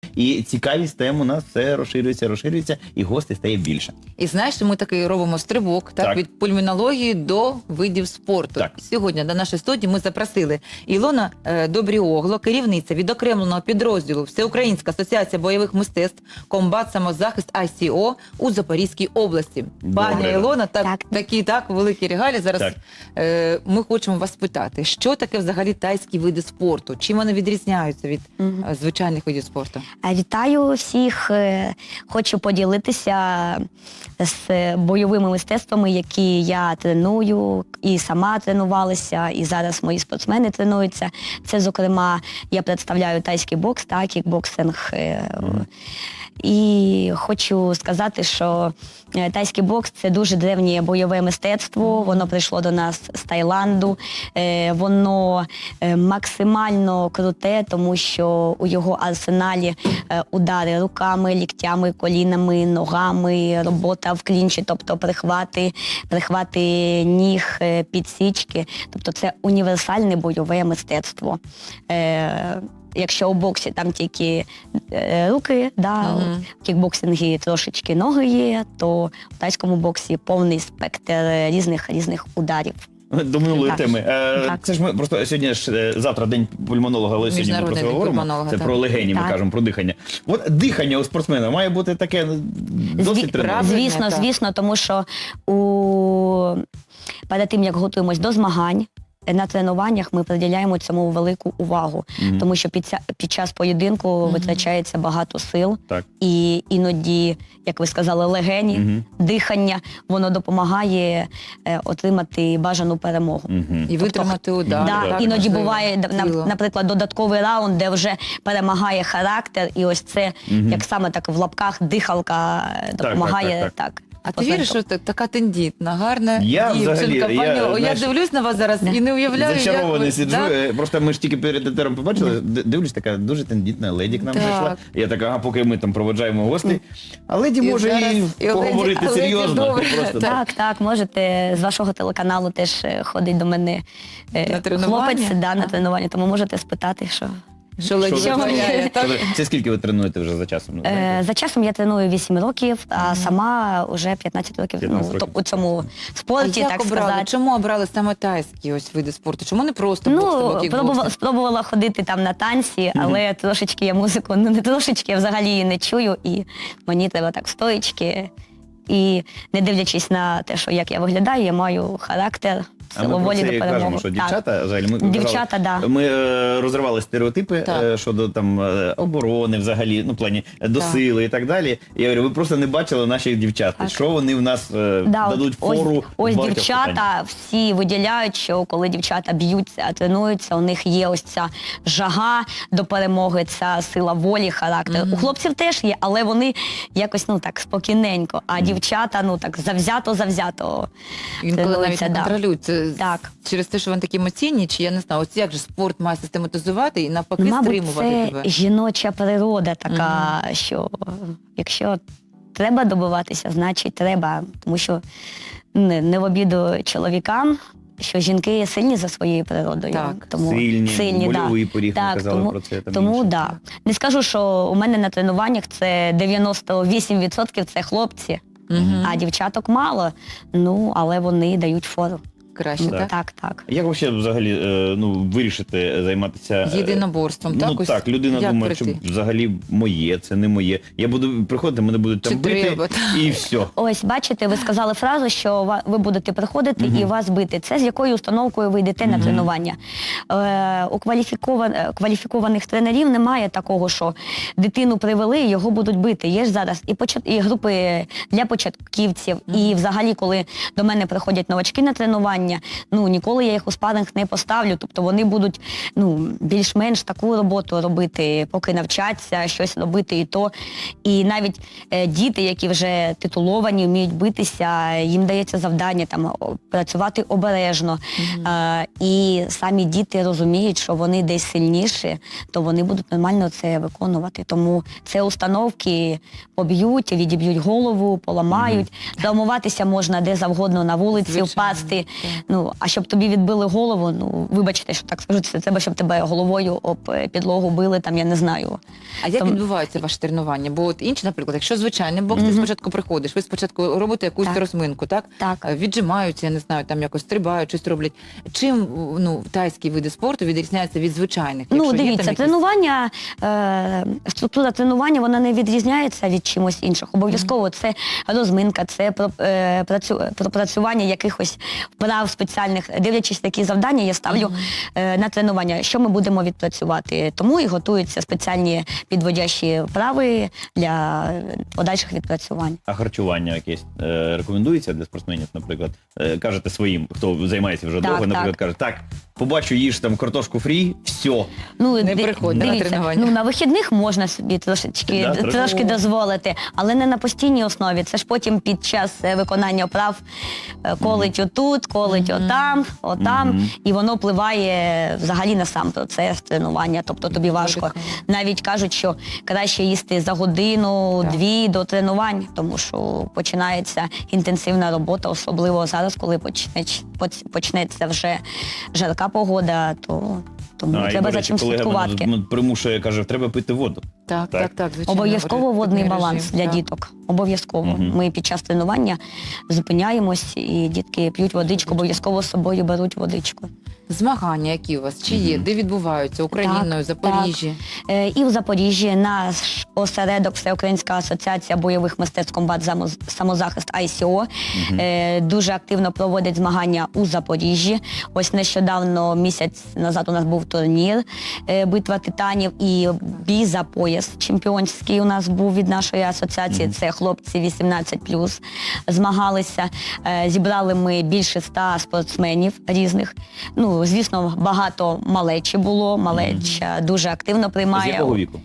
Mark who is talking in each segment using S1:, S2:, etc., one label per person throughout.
S1: І цікавість тем у нас все розширюється, і гостей стає більше.
S2: І знаєш, ми такий робимо стрибок від пульмонології до видів спорту.
S1: Так.
S2: Сьогодні до нашої студії ми запросили Ілона Добріогло, керівниця відокремленого підрозділу Всеукраїнська асоціація бойових мистецтв «Комбат самозахист ICO» у Запорізькій області. Пані Ілона, такі великі регалії. Зараз ми хочемо вас спитати, що таке взагалі тайські види спорту? Чим вони відрізняються від звичайних видів спорту?
S3: Вітаю всіх. Хочу поділитися з бойовими мистецтвами, які я треную, і сама тренувалася, і зараз мої спортсмени тренуються. Це, зокрема, я представляю тайський бокс, кікбоксинг. І хочу сказати, що тайський бокс – це дуже древнє бойове мистецтво, воно прийшло до нас з Таїланду, воно максимально круте, тому що у його арсеналі удари руками, ліктями, колінами, ногами, робота в клінчі, тобто прихвати ніг, підсічки, тобто це універсальне бойове мистецтво. Якщо у боксі там тільки руки, в кікбоксингі трошечки ноги є, то в тайському боксі повний спектр різних ударів.
S1: До минулої теми. Це ж ми просто сьогодні завтра день пульмонолога, але сьогодні ми про це говоримо. Це про легені, ми кажемо, про дихання. От дихання у спортсмена має бути таке досить тренування.
S3: Звісно, тому що перед тим, як готуємось до змагань, на тренуваннях ми приділяємо цьому велику увагу, тому що під час поєдинку витрачається багато сил, і іноді, як ви сказали, легені, дихання, воно допомагає отримати бажану перемогу.
S2: І витримати удар.
S3: Іноді буває, наприклад, додатковий раунд, де вже перемагає характер, і ось це, як саме так в лапках, дихалка допомагає так.
S2: А ти віриш, що така тендітна, гарна дівчинка, пані? Я дивлюсь на вас зараз і не уявляю, як ви...
S1: Зачарований сиджу. Просто ми ж тільки перед етером побачили, дивлюсь, така дуже тендітна леді к нам прийшла. Я така, поки ми там проводжаємо гостей. А леді може і поговорити серйозно.
S3: Так, можете, з вашого телеканалу теж ходить до мене хлопець на тренування, тому можете спитати, що...
S1: Це скільки ви тренуєте вже за часом?
S3: За часом я треную 8 років, а сама вже 15 років у цьому спорті, так сказати.
S2: Чому обрали саме тайські види спорту? Чому не просто бокс?
S3: Спробувала ходити там на танці, але трошечки я музику, не трошечки, я взагалі її не чую, і мені треба так стоїчки. І не дивлячись на те, що як я виглядаю, я маю характер, силу волі до перемоги.
S1: Кажемо, що дівчата, взагалі,
S3: ми
S1: розривали стереотипи щодо там оборони, взагалі, ну, в плані до сили і так далі. Я говорю, ви просто не бачили наших дівчат, що вони в нас дадуть фору.
S3: Ось дівчата всі виділяють, що коли дівчата б'ються, тренуються, у них є ось ця жага до перемоги, ця сила волі, характер. У хлопців теж є, але вони якось, ну, так, спокійненько, а дівчата, ну, так, завзято.
S2: Інколи навіть не контролюють. Через те, що вони такі емоційні, чи я не знаю, ось як же спорт має систематизувати і навпаки стримувати тебе?
S3: Мабуть, це жіноча природа така, що якщо треба добиватися, значить треба. Тому що не в обіду чоловікам, що жінки сильні за своєю природою.
S1: Сильні, больовий поріг, ми казали про це.
S3: Тому, не скажу, що у мене на тренуваннях це 98% це хлопці, а дівчаток мало, ну, але вони дають фору.
S2: Краще,
S3: так?
S1: Як взагалі вирішити займатися...
S2: Єдиноборством, так?
S1: Ну так, людина думає, що взагалі моє, це не моє. Я буду приходити, мене будуть там бити, і все.
S3: Ось, бачите, ви сказали фразу, що ви будете приходити і вас бити. Це з якою установкою ви йдете на тренування. У кваліфікованих тренерів немає такого, що дитину привели і його будуть бити. Є ж зараз і групи для початківців, і взагалі, коли до мене приходять новачки на тренування, ну, ніколи я їх у спаринг не поставлю, тобто вони будуть, ну, більш-менш таку роботу робити, поки навчаться, щось робити і то. І навіть діти, які вже титуловані, вміють битися, їм дається завдання там працювати обережно. І самі діти розуміють, що вони десь сильніші, то вони будуть нормально це виконувати. Тому це установки поб'ють, відіб'ють голову, поламають. Травмуватися можна де завгодно на вулиці, впасти. Ну, а щоб тобі відбили голову, ну, вибачте, що так скажу, це треба, щоб тебе головою об підлогу били, там, я не знаю.
S2: А як відбуваються ваші тренування? Бо от інші, наприклад, якщо звичайний бокс, ти спочатку приходиш, ви спочатку робите якусь розминку, так?
S3: Так.
S2: Віджимаються, я не знаю, там якось стрибають, щось роблять. Чим, ну, тайські види спорту відрізняються від звичайних?
S3: Ну, дивіться, тренування, структура тренування, вона не відрізняється від чимось іншого. Обов'язково це розминка, це пропрацювання якихось вправ спеціальних. Дивлячись такі завдання, я ставлю на тренування, що ми будемо відпрацювати. Тому і готуються спеціальні підводящі вправи для подальших відпрацювань.
S1: А харчування якесь рекомендується для спортсменів, наприклад? Кажете своїм, хто займається вже довго, наприклад, каже, так, побачу, їж там картошку фрі, все.
S3: Ну,
S2: не приходьте на тренування.
S3: Ну, на вихідних можна собі трошки дозволити, але не на постійній основі. Це ж потім під час виконання вправ колить отут, колить отам, і воно впливає взагалі на сам процес тренування. Тобто тобі важко. Навіть кажуть, що краще їсти за годину-дві до тренувань, тому що починається інтенсивна робота, особливо зараз, коли почнеться вже жарка погода, тому треба за чим слідкувати.
S1: Колега примушує, каже, треба пити воду.
S2: Так, звичайно.
S3: Обов'язково водний баланс для діток. Обов'язково. Ми під час тренування зупиняємось, і дітки п'ють водичку, обов'язково з собою беруть водичку.
S2: Змагання які у вас? Чи є? Де відбуваються? Україною, Запоріжжі?
S3: Так. І в Запоріжжі наш осередок Всеукраїнська асоціація бойових мистецтв комбат самозахист ICO дуже активно проводить змагання у Запоріжжі. Ось нещодавно, місяць назад у нас був турнір «Битва титанів» і бій за пояс чемпіонський у нас був від нашої асоціації. Це хлопці 18+, змагалися. Зібрали ми більше 100 спортсменів різних. Ну, звісно, багато малечі було, малеча дуже активно приймає.
S1: З якого віку?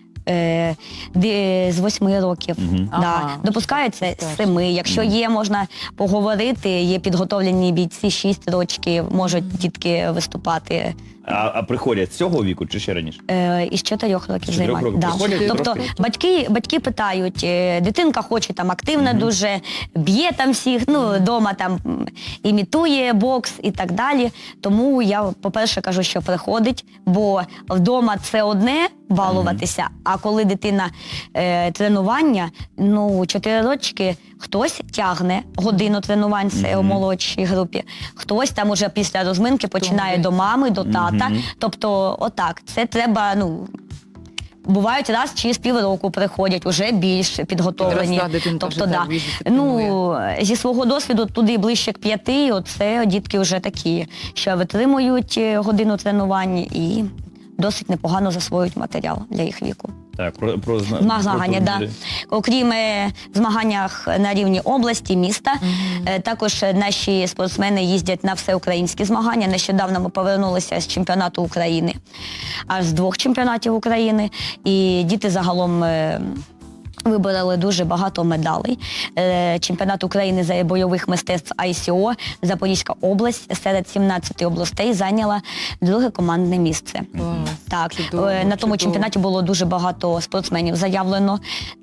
S3: З 8 років. Допускається з 7. Якщо є, можна поговорити, є підготовлені бійці 6 років, можуть дітки виступати.
S1: А приходять з цього віку чи ще раніше?
S3: Із 4 років займаються. Тобто батьки питають, дитинка хоче там активно дуже, б'є там всіх, ну, вдома там імітує бокс і так далі. Тому я, по-перше, кажу, що приходить, бо вдома це одне балуватися, а коли дитина тренування, ну, 4 рочки, хтось тягне годину тренувань, це у молодшій групі, хтось там уже після розминки починає до мами, до тата. Тобто, отак, це треба, ну, бувають раз через півроку приходять, уже більш підготовлені. Тобто, ну, зі свого досвіду туди ближче к 5, оце дітки вже такі, що витримують годину тренувань і досить непогано засвоюють матеріал для їх віку.
S1: Так, про
S3: змагання, да. Окрім змаганнях на рівні області, міста, також наші спортсмени їздять на всеукраїнські змагання. Нещодавно ми повернулися з чемпіонату України, аж з 2 чемпіонатів України, і діти загалом вибороли дуже багато медалей. Чемпіонат України з бойових мистецтв ICO, Запорізька область серед 17 областей зайняла 2 командне місце. Так, на тому чемпіонаті було дуже багато спортсменів заявлено,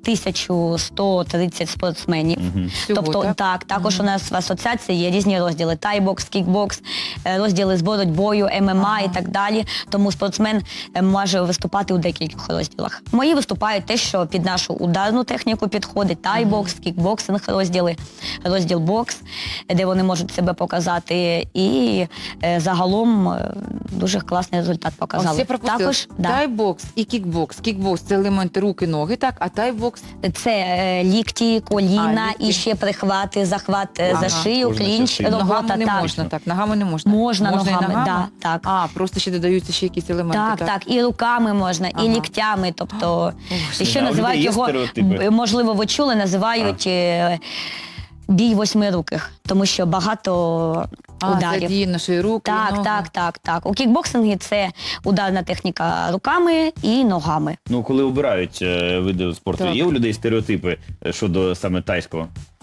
S3: 1130 спортсменів. Тобто, також у нас в асоціації є різні розділи: тайбокс, кікбокс, розділи з боротьбою, ММА і так далі. Тому спортсмен може виступати у декількох розділах. Мої виступають те, що під нашу ударну техніку підходить: тайбокс, кікбоксинг розділи, розділ бокс, де вони можуть себе показати, і загалом дуже класний результат показали.
S2: Ось я пропустила. Також тайбокс і кікбокс. Кікбокс – це елементи руки, ноги, так? А тайбокс?
S3: Це лікті, коліна, і ще прихвати, захват за шию, клінч, робота.
S2: Ногами не можна, так? Ногами не можна?
S3: Можна ногами, так.
S2: А, просто ще додаються ще якісь елементи, так?
S3: Так, і руками можна, і ліктями, тобто, ще називають його, можливо, ви чули, називають бій 8-руких, тому що багато ударів.
S2: Задіяно наші руки, ноги.
S3: Так. У кікбоксингі це ударна техніка руками і ногами.
S1: Ну, коли обирають види спорту, є у людей стереотипи щодо саме тайського?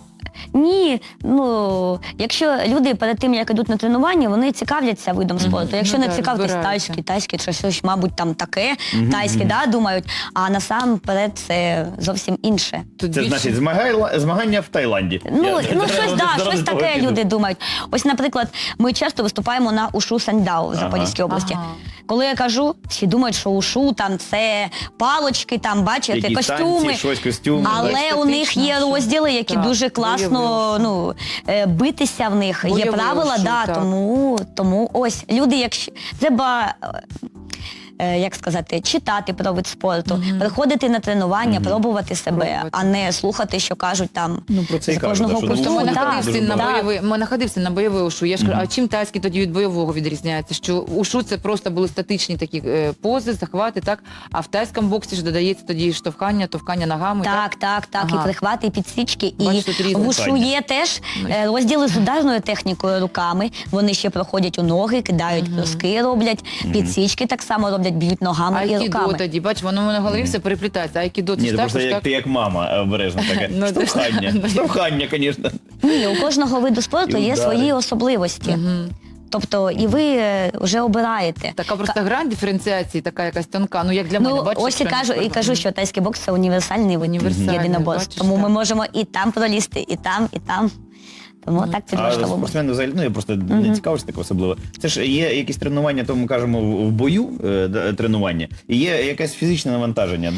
S3: Ні, ну, якщо люди перед тим, як йдуть на тренування, вони цікавляться видом спорту. Якщо не цікавитись тайський, чи щось, мабуть, там таке, тайське, да, думають, а насамперед це зовсім інше.
S1: Це значить змагання в Таїланді.
S3: Щось таке люди думають. Ось, наприклад, ми часто виступаємо на Ушу Саньдао в Запорізькій області. Коли я кажу, всі думають, що ушу там це палочки, там бачите, костюми. Але у них є розділи, які дуже класно битися в них. Є правила, тому ось люди, якщо треба, як сказати, читати про вид спорту, приходити на тренування, пробувати себе, а не слухати, що кажуть там з кожного курсу.
S2: Ми находився на бойовий ушу. Я ж кажу, а чим тайський тоді від бойового відрізняється? Що ушу це просто були статичні такі пози, захвати, так? А в тайському боксі ж додається тоді штовхання, товкання ногами.
S3: Так, і прихвати, і підсічки. І в ушу є теж розділи з ударною технікою руками. Вони ще проходять у ноги, кидають бруски, роблять, підсічки так само роблять, б'ють ногами і руками.
S2: Айкідо тоді, бач, воно на голові все переплітається. Айкідо,
S1: ні, просто ти як мама обережно таке. Штовхання, звісно.
S3: Ні, у кожного виду спорту є свої особливості. Тобто, і ви вже обираєте.
S2: Така просто грань диференціації, така якась тонка. Ну, як для мене, бачиш?
S3: Ось і кажу, що тайський бокс – це універсальний вид єдиноборств. Тому ми можемо і там пролізти, і там, і там. Тому так підлаштовуємо.
S1: А спортсмени взагалі, я просто не цікавився так особливо. Це ж є якісь тренування, то ми кажемо в бою тренування, і є якесь фізичне навантаження,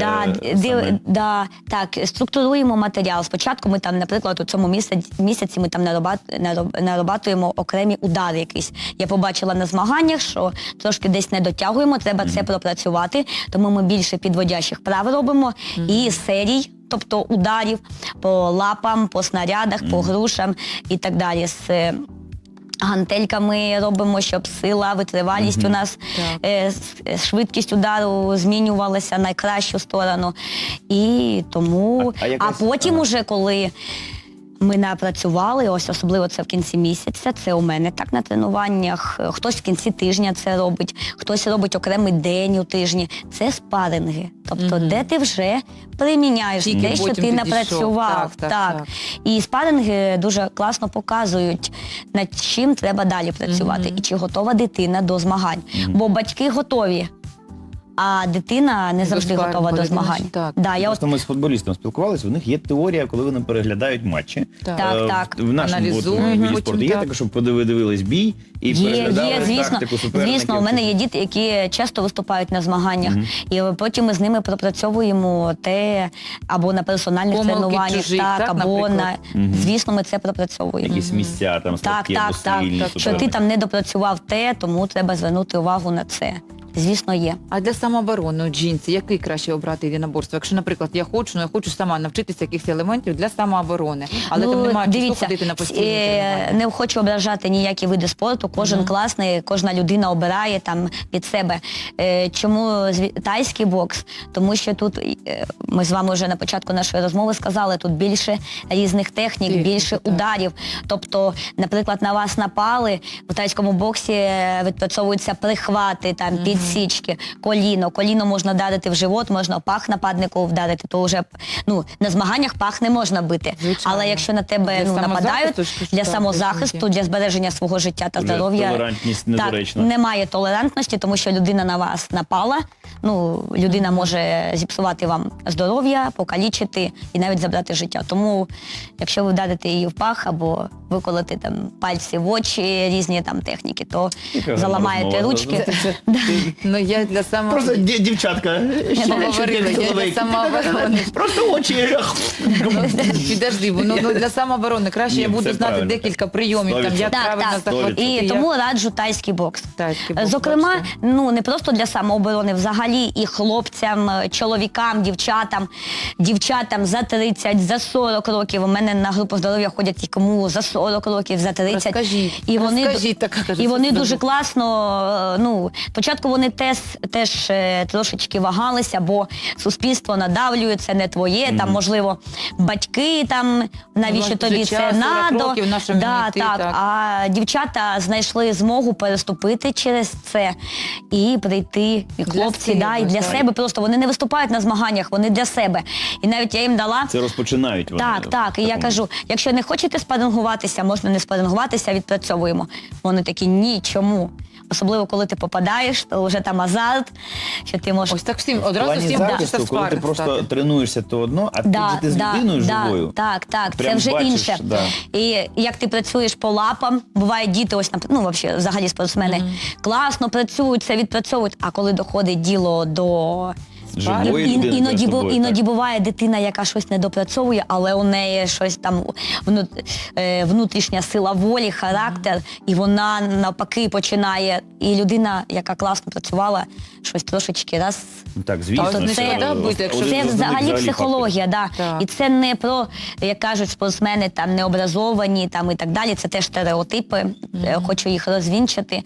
S3: так, структуруємо матеріал. Спочатку ми там, наприклад, у цьому місяці ми там нарабатуємо окремі удари якісь. Я побачила на змаганнях, що трошки десь не дотягуємо, треба це пропрацювати, тому ми більше підводящих прав робимо і серій, тобто ударів по лапам, по снарядах, по грушам і так далі. З гантельками робимо, щоб сила, витривалість у нас, швидкість удару змінювалася на кращу сторону. І тому, а потім уже, коли ми напрацювали, ось особливо це в кінці місяця, це у мене так на тренуваннях, хтось в кінці тижня це робить, хтось робить окремий день у тижні. Це спаринги, тобто де ти вже приміняєш те, що ти напрацював. Так. І спаринги дуже класно показують, над чим треба далі працювати і чи готова дитина до змагань. Бо батьки готові, а дитина не завжди готова до змагань.
S1: Просто ми з футболістом спілкувалися, у них є теорія, коли вони переглядають матчі.
S3: Так.
S1: В нашому виді спорту є таке, щоб подивились бій і переглядали тактику суперників.
S3: Звісно, у мене є діти, які часто виступають на змаганнях, і потім ми з ними пропрацьовуємо те, або на персональних тренуваннях, або на... Звісно, ми це пропрацьовуємо.
S1: Якісь місця, там, слабкі або сильні.
S3: Що ти там не допрацював те, тому треба звернути увагу на це. Звісно, є.
S2: А для самооборони, жінці, який краще обрати єдиноборство? Якщо, наприклад, я хочу сама навчитися якихось елементів для самооборони, але там немає часу ходити на постійні тренування.
S3: Не хочу ображати ніякі види спорту, кожен класний, кожна людина обирає там під себе. Чому тайський бокс? Тому що тут, ми з вами вже на початку нашої розмови сказали, тут більше різних технік, більше ударів. Тобто, наприклад, на вас напали, в тайському боксі відпрацьовуються прихвати, там, підсічки, коліно можна вдарити в живот, можна пах нападнику вдарити, то вже на змаганнях пах не можна бити. Звичайно. Але якщо на тебе нападають, для самозахисту, для збереження свого життя та здоров'я,
S1: толерантність недоречна.
S3: Немає толерантності, тому що людина на вас напала, людина може зіпсувати вам здоров'я, покалічити і навіть забрати життя. Тому, якщо ви вдарите її в пах або виколите там пальці в очі, різні там техніки, то заламаєте ручки.
S2: Я для
S1: Просто дівчатка.
S2: Я для самооборони.
S1: Просто очі.
S2: Підожди, для самооборони краще я буду знати декілька прийомів, як правильно захватити.
S3: І тому раджу тайський бокс. Зокрема, не просто для самооборони, взагалі і хлопцям, чоловікам, дівчатам за 30, за 40 років. У мене на групу здоров'я ходять і кому за 40 років, за 30.
S2: Розкажіть.
S3: І вони дуже класно, спочатку вони теж трошечки вагалися, бо суспільство надавлює, це не твоє, там, можливо, батьки, там, навіщо тобі це надо. А дівчата знайшли змогу переступити через це і прийти, і хлопці да, і для себе просто. Вони не виступають на змаганнях, вони для себе. І навіть я їм дала...
S1: Це розпочинають вони.
S3: Так. І я кажу, якщо не хочете спарингуватися, можна не спарингуватися, відпрацьовуємо. Вони такі, ні, чому? Особливо, коли ти попадаєш, то вже там азарт, що ти можеш...
S2: Ось так всім,
S1: В
S2: одразу
S1: плані
S2: всім
S1: захисту,
S2: хочеться
S1: коли ти
S2: спарринг
S1: просто
S2: стати.
S1: тренуєшся, то одно, а тут же ти з людиною живою.
S3: Так, це
S1: Прям
S3: вже
S1: бачиш,
S3: інше.
S1: да.
S3: І як ти працюєш по лапам, бувають діти, ось, взагалі спортсмени, класно працюють, це відпрацьовують, а коли доходить діло до...
S1: Живої людини перед тобою,
S3: Іноді
S1: так.
S3: буває дитина, яка щось не допрацьовує, але у неї щось там внутрішня сила волі, характер, і вона навпаки починає. І людина, яка класно працювала, щось трошечки раз.
S1: Так, звісно.
S2: Тобто
S3: Це взагалі психологія, да.
S2: Так.
S3: І це не про, як кажуть спортсмени, там необразовані там, і так далі. Це теж стереотипи. Хочу їх розвінчити,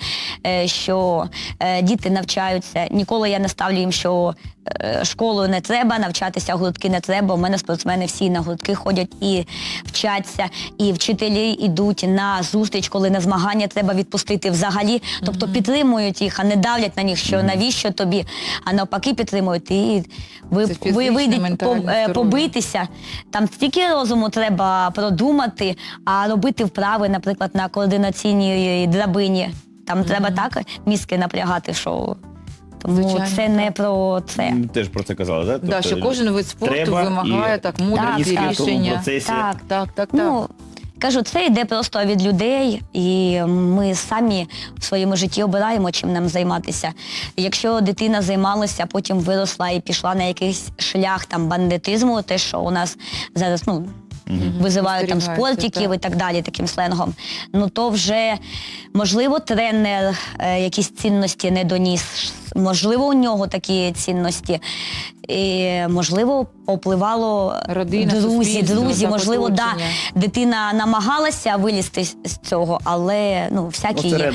S3: що діти навчаються. Ніколи я не ставлю їм, що школу не треба, навчатися гуртки не треба. У мене спортсмени всі на гуртки ходять і вчаться, і вчителі йдуть на зустріч, коли на змагання треба відпустити взагалі. Тобто підтримують їх, а не давлять на них, що навіщо тобі, а навпаки підтримують. І ви вийдете побитися. Там стільки розуму треба продумати, а робити вправи, наприклад, на координаційній драбині. Там треба так мізки напрягати, що... Тому
S2: Звичайно,
S3: це не про це.
S1: Теж про це казали, так?
S2: Да, що кожен вид спорту вимагає так мудрості,
S1: в тому
S2: рішення.
S1: процесі.
S2: Так.
S3: Ну, кажу, це йде просто від людей, і ми самі в своєму житті обираємо, чим нам займатися. Якщо дитина займалася, потім виросла і пішла на якийсь шлях там бандитизму, те, що у нас зараз, визивають там спортиків і так далі, таким сленгом, то вже, можливо, тренер якісь цінності не доніс, можливо, у нього такі цінності, і, можливо, попливало
S2: родина,
S3: друзі, можливо,
S2: оточення.
S3: дитина намагалася вилізти з цього, але всякі є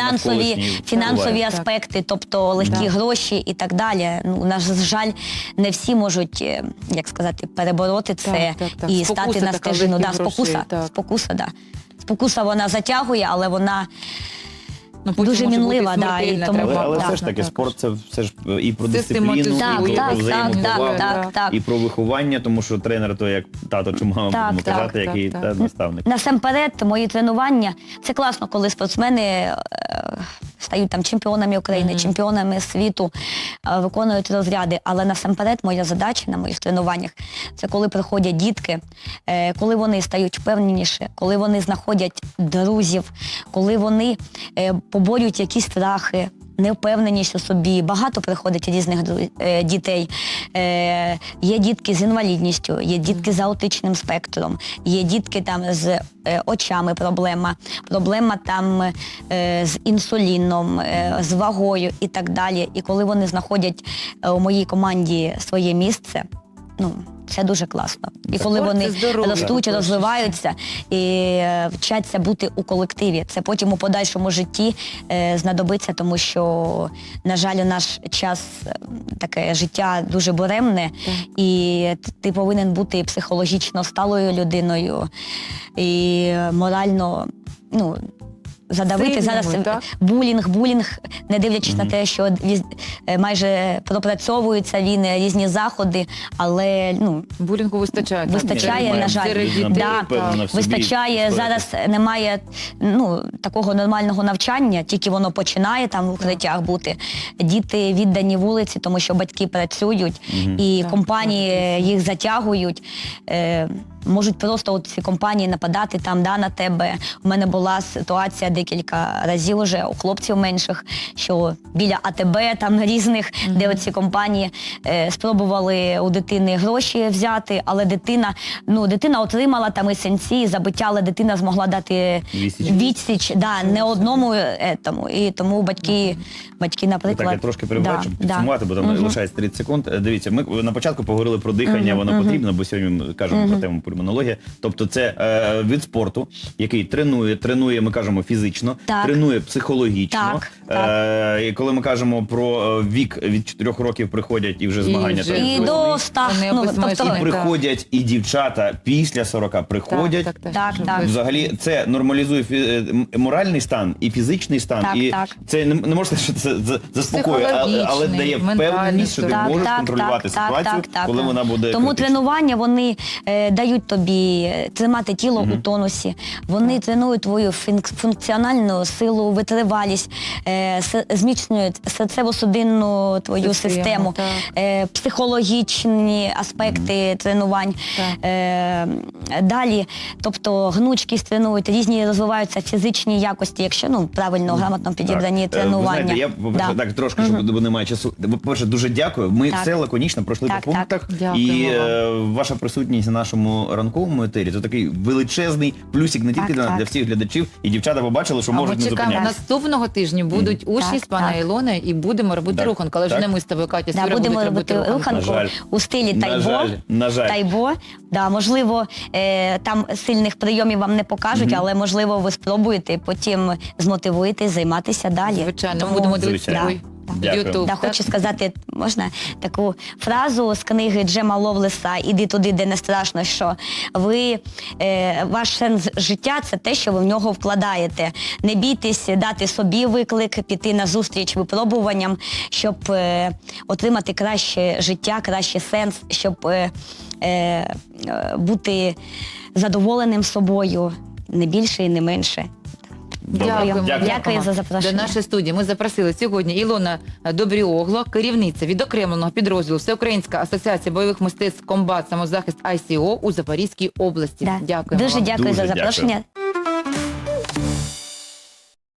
S3: фінансові аспекти, тобто легкі гроші і так далі. На жаль, не всі можуть, як сказати, перебороти це і стати на стежину. Спокуса. Спокуса вона затягує, але вона дуже мінлива.
S1: Але все ж таки, спорт це все ж і про дисципліну, і про взаємоповагу, і про виховання, тому що тренер, то як тато чи мама, будемо казати, який наставник.
S3: Насамперед, мої тренування, це класно, коли спортсмени стають там чемпіонами України, чемпіонами світу, виконують розряди. Але насамперед моя задача на моїх тренуваннях – це коли приходять дітки, коли вони стають впевненіші, коли вони знаходять друзів, коли вони поборюють якісь страхи, невпевненість у собі. Багато приходить різних дітей. Є дітки з інвалідністю, є дітки з аутичним спектром, є дітки там з очами проблема там з інсуліном, з вагою і так далі. І коли вони знаходять у моїй команді своє місце, це дуже класно. І коли вони ростуть, розвиваються і вчаться бути у колективі, це потім у подальшому житті знадобиться, тому що, на жаль, у наш час таке життя дуже буремне, і ти повинен бути психологічно сталою людиною, і морально, задавити зараз булінг, не дивлячись на те, що майже пропрацьовуються різні заходи, але
S2: булінгу вистачає,
S3: на жаль. Вистачає. Зараз немає такого нормального навчання, тільки воно починає там в укриттях бути. Діти віддані вулиці, тому що батьки працюють, і компанії їх затягують. Можуть просто ці компанії нападати там, на тебе. У мене була ситуація декілька разів уже у хлопців менших, що біля АТБ там різних, де оці компанії спробували у дитини гроші взяти, але дитина отримала там і синці, і забиття, але дитина змогла дати відсіч не одному етому. І тому батьки, наприклад...
S1: Так, я трошки перебачу, підсумувати, бо там лишається 30 секунд. Дивіться, ми на початку поговорили про дихання, воно потрібно, бо сьогодні ми кажемо про тему пульмонологія. Тобто це від спорту, який тренує, ми кажемо, фізично, тренує психологічно, І коли ми кажемо про вік, від 4 років приходять і вже змагання.
S2: вже
S3: І до 100, ну, тобто,
S1: І приходять і дівчата після 40 приходять.
S3: Так.
S1: Взагалі це нормалізує моральний стан і фізичний стан.
S3: Так,
S1: і
S3: так.
S1: це не можна сказати, що це заспокоює, але дає впевненість, що ти можеш контролювати ситуацію, коли вона буде
S3: Тому
S1: критична.
S3: тренування, вони дають тобі тримати тіло у тонусі, вони тренують твою функціональну силу, витривалість, зміцнюють серцево-судинну твою систему, психологічні аспекти тренувань. Далі, тобто гнучкість тренують, різні розвиваються фізичні якості, якщо правильно, грамотно підібрані тренування.
S1: Ви знаєте, я, по-перше, так трошки, бо немає часу. По-перше, дуже дякую. Ми все лаконічно пройшли по пунктах.
S2: Дякуємо
S1: І ваша присутність на нашому ранковому етері – це такий величезний плюсик не тільки для всіх глядачів. І дівчата побачили, що можуть не
S2: Ми чекаємо,
S1: зупинятися.
S2: наступного тижня будуть учні з пана Ілони і будемо робити руханку. Але вже не ми з тобою, Катя, Сюра
S3: будемо
S2: будуть
S3: робити руханку у стилі тайбо. Да, можливо, там сильних прийомів вам не покажуть, але можливо ви спробуєте і потім змотивуєтесь займатися далі.
S2: Звичайно, будемо дивитися.
S3: Да, хочу сказати, можна таку фразу з книги Джема Ловлеса «Іди туди, де не страшно», що ваш сенс життя – це те, що ви в нього вкладаєте. Не бійтесь дати собі виклик, піти на зустріч випробуванням, щоб отримати краще життя, кращий сенс, щоб бути задоволеним собою, не більше і не менше. Дякую за запрошення.
S2: До нашої студії ми запросили сьогодні Ілона Добріогло, керівниця відокремленого підрозділу Всеукраїнська асоціація бойових мистецтв «Комбат. Самозахист ICO» у Запорізькій області.
S3: Дуже дякую за запрошення.